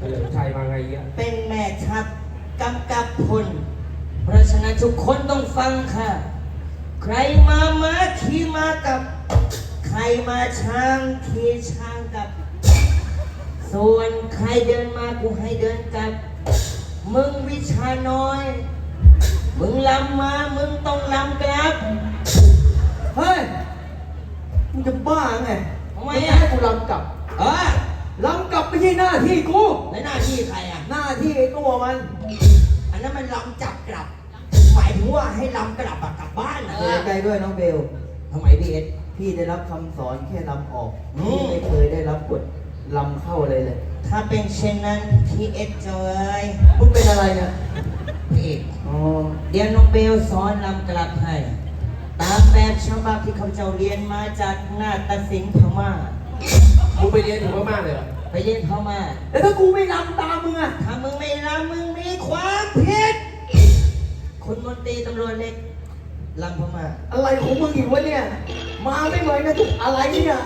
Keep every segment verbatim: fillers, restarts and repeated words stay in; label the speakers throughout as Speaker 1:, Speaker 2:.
Speaker 1: ลิมชัยมาไงเงี้ย
Speaker 2: เป็นแม่ทัพกำกับพลเพราะฉะนั้นทุกคนต้องฟังค่ะใครมาม้าขี่มากับใครมาช้างขี่ช้างกับส่วนใครเดินมากูให้เดินกับมึงวิชาน้อยมึงลำมามึงต้องลำกลับ
Speaker 3: เฮ้ยมึงจะบ้าไง
Speaker 2: ทำไม
Speaker 3: ไม่
Speaker 2: อ่ะ
Speaker 3: ให้กูลำกลับ
Speaker 2: เออ
Speaker 3: ลำกลับไม่ใช่หน้าที่กู
Speaker 2: แล้วหน้าที่ใครอ่ะ
Speaker 3: หน้าที่ไอ้ตัวมัน
Speaker 2: อันนั้นมันลำจับกลับหมายถึงว่าให้ลำกลับกลับบ้านนะ
Speaker 3: เสียใจด้วยน้องเบล
Speaker 2: ทำไมพี่เอส
Speaker 3: พี่ได้รับคำสอนแค่ลำออก
Speaker 2: อืม
Speaker 3: พี่ไม่เคยได้รับบทลำเข้าเลยเลย
Speaker 2: ถ้าเป็นเช่นนั้นพี่เอสเจย
Speaker 3: มึงเป็นอะไรเนี่ย
Speaker 2: พี่เอก
Speaker 3: อ๋อ
Speaker 2: เดี๋ยวน้องเบลสอนลำกลับให้ตามแบบฉบับที่เขาเจ้าเรียนมาจากนาฏศิลป์พม่า
Speaker 1: มึงไปเรียนถึงพม่าเลยเหรอ
Speaker 2: ไปเรียนพม่า
Speaker 3: แล้วถ้ากูไม่ลำตามมึงอะ
Speaker 2: ถ้ามึงไม่ลำมึงมีความผิดคุณมนตรีตำรวจเล็กลำพม่า
Speaker 3: อะไรของมึงอีกวะเนี่ยมาไม่ไหวนะทุกอะไรเนี่ย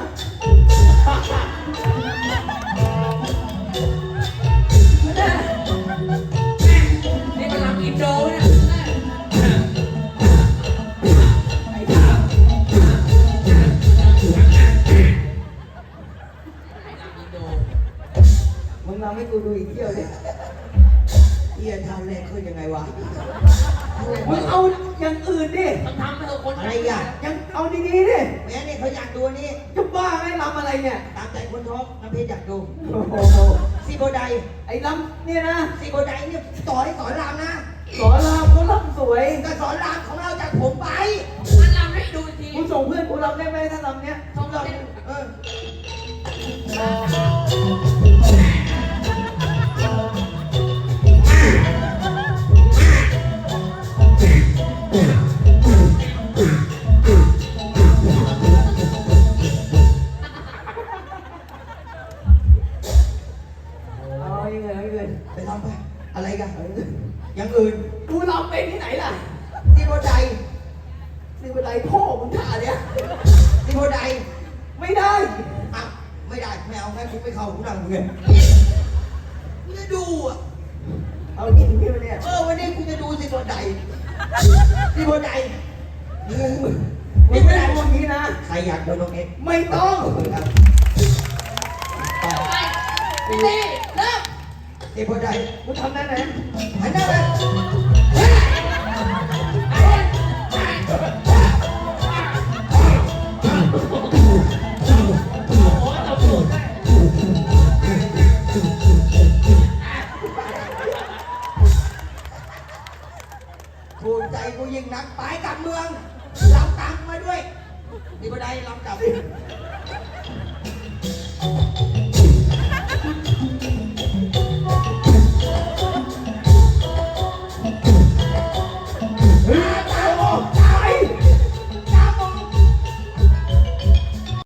Speaker 4: นี่มันลำอินโดนะ
Speaker 3: มึงลำให้กูดูอีกเที่ยวดิ
Speaker 2: เอียทำแรกคือยังไงวะ
Speaker 3: มึงเอาอย่างอื่นดิ
Speaker 4: ต้องทำให้คน
Speaker 2: อะไรอย่าง
Speaker 3: ยังเอาดีๆดิ
Speaker 2: แม่นี่เขาอยากดูนี่
Speaker 3: จะบ้าไงลำอะไรเนี่ย
Speaker 2: ตามใจคนท้องน้ำเพชรอยากดู
Speaker 3: โอ้โห
Speaker 2: ซีโบได
Speaker 3: ไอ้ลำเนี่ยนะ
Speaker 2: ซีโบไดเนี่ยสอนสอนรามนะ
Speaker 3: สอนรามเขาลำสวย
Speaker 2: ก็สอนรามของเราจากผมไป
Speaker 4: มันลำให้ดูที
Speaker 3: กูส่งเพื่อนกูลำได้ไหมถ้าลำเนี้ย
Speaker 4: ท้องเรา
Speaker 2: เออไปทำไปอะไรกันอย่างอื่น
Speaker 3: กูลำเป็นที่ไหนล่ะ
Speaker 2: ซีโบได
Speaker 3: ซีบันไดพ่อมึงท่าเนี่ย
Speaker 2: ซีโบได
Speaker 3: ไม่ได้
Speaker 2: อ่ะไม่ได้ไม่เอางั้นกูไม่เข้ากูนั่งเงี้ยกูจะดูอ่ะ
Speaker 3: เอาจริงพี่มันเนี่ย
Speaker 2: เออวันนี้กูจะดูซีโบไดซีโบได
Speaker 3: มึงมึงไม่ได้พวกนี้นะ
Speaker 2: ใครอยากดูน้องเอ็ก
Speaker 3: ไม่ต้อง
Speaker 2: ครับ
Speaker 4: ไปพี่เต้เริ่ม
Speaker 2: ซีโบได
Speaker 3: กูทำได้ไหม
Speaker 2: หันหน้าไปถูกใจกูยิ่งนักไปกับเมืองลำตังมาด้วยดีกว่าใดลำกลับ